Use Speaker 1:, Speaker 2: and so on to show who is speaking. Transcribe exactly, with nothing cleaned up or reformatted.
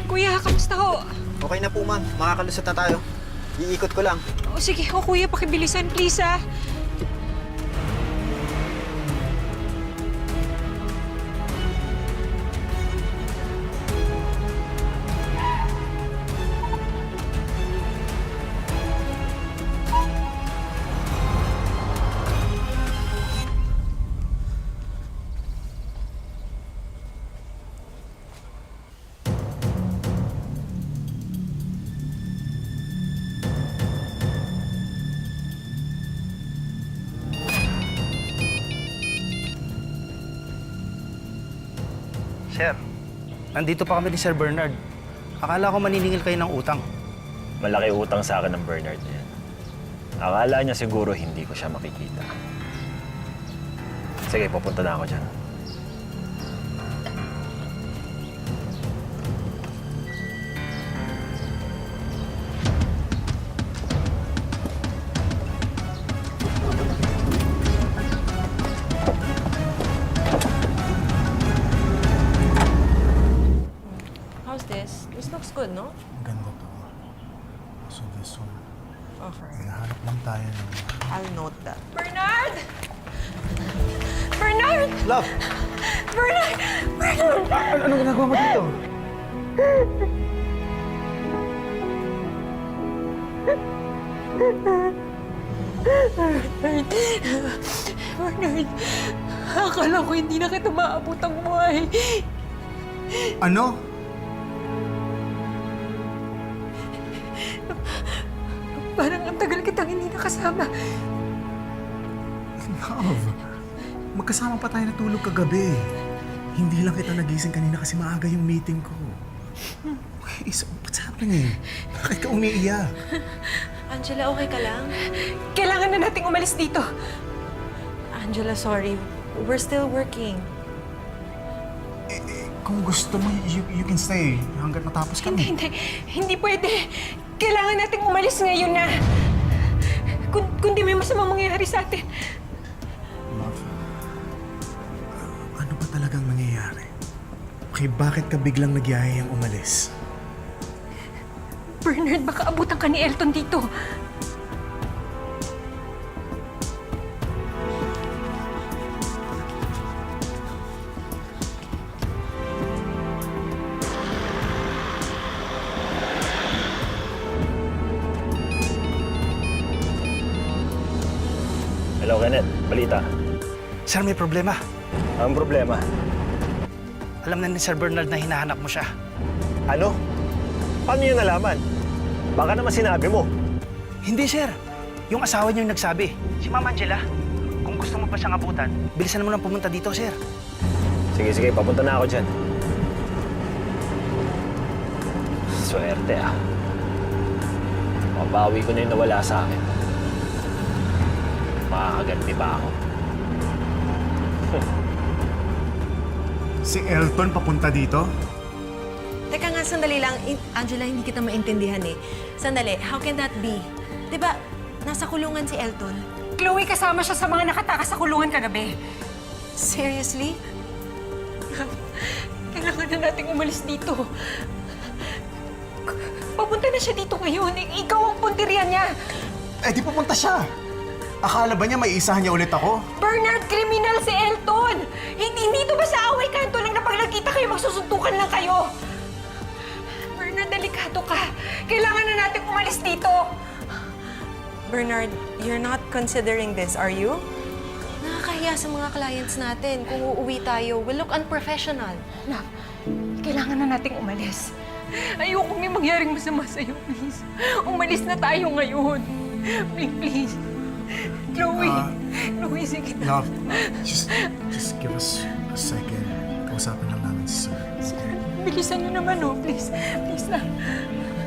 Speaker 1: Kuya, kamusta ho?
Speaker 2: Okay na po, ma'am. Makakalusot na tayo. Iikot ko lang.
Speaker 1: O sige, o kuya, pakibilisan please ah.
Speaker 3: Sir, nandito pa kami ni Sir Bernard. Akala ko maniningil kayo ng utang.
Speaker 4: Malaki utang sa akin ng Bernard na yan. Akala niya siguro hindi ko siya makikita. Sige, pupunta na ako dyan.
Speaker 5: How's this? This looks good, no?
Speaker 6: Ganda to. So this one,
Speaker 5: Okay.
Speaker 6: hinahanap lang tayo ng...
Speaker 5: I'll note that.
Speaker 1: Bernard! Bernard!
Speaker 2: Love!
Speaker 1: Bernard! Bernard!
Speaker 2: Ano, anong ginagawa mo dito?
Speaker 1: Bernard! Akala ko hindi na kita maabot ang buhay.
Speaker 6: Ano?
Speaker 1: Parang ang tagal kitang hindi nakasama.
Speaker 6: Love, magkasama pa tayo natulog kagabi. Hindi lang kita nagising kanina kasi maaga yung meeting ko. Okay, so what's happening? Bakit ka umiiyak?
Speaker 5: Angela, okay ka lang?
Speaker 1: Kailangan na nating umalis dito.
Speaker 5: Angela, sorry. We're still working.
Speaker 6: Eh, eh, kung gusto mo, you, you can stay hanggat matapos
Speaker 1: Hindi,
Speaker 6: kami.
Speaker 1: hindi. Hindi pwede. Kailangan nating umalis ngayon na. Kung, kundi may masamang mangyayari sa atin.
Speaker 6: Love, ano ba talagang nangyayari? Okay, bakit ka biglang nagyayayang umalis?
Speaker 1: Bernard, baka abutan ka ni Elton dito.
Speaker 4: Hello, Kenneth. Balita.
Speaker 3: Sir, may problema.
Speaker 4: Ang problema?
Speaker 3: Alam na ni Sir Bernard na hinahanap mo siya.
Speaker 4: Ano? Paano niya nalaman? Baka naman sinabi mo.
Speaker 3: Hindi, sir. Yung asawa niyo yung nagsabi. Si Ma'am Angela. Kung gusto mo pa siyang abutan, bilisan mo nang pumunta dito, sir.
Speaker 4: Sige, sige. Papunta na ako dyan. Swerte ah. Mabawi ko na yung nawala sa akin. Makakaganti ba ako?
Speaker 6: Si Elton papunta dito?
Speaker 5: Teka nga, sandali lang. In- Angela, hindi kita maintindihan eh. Sandali, how can that be? Di ba, nasa kulungan si Elton?
Speaker 1: Chloe, kasama siya sa mga nakatakas sa kulungan kagabi.
Speaker 5: Seriously?
Speaker 1: Kailangan na nating umalis dito. Papunta na siya dito ngayon. I- Ikaw ang punteriya niya.
Speaker 6: Eh, di pupunta siya. Akala ba niya may isahan niya ulit ako?
Speaker 1: Bernard, kriminal si Elton! Hindi dito ba sa away kanto lang na pag nagkita kayo, magsusuntukan lang kayo? Bernard, delikado ka. Kailangan na natin umalis dito.
Speaker 5: Bernard, you're not considering this, are you? Nakakahiya sa mga clients natin. Kung uuwi tayo, we'll look unprofessional.
Speaker 1: Love, kailangan na nating umalis. Ayoko may mangyaring masama sa'yo, please. Umalis na tayo ngayon. Please, please. Chloe,
Speaker 6: Ah,
Speaker 1: Chloe, sige na.
Speaker 6: Love, just, just give us a second. Kausapin lang namin si Sir.
Speaker 1: Sir, bilisan niyo naman, oh. Please, please lang.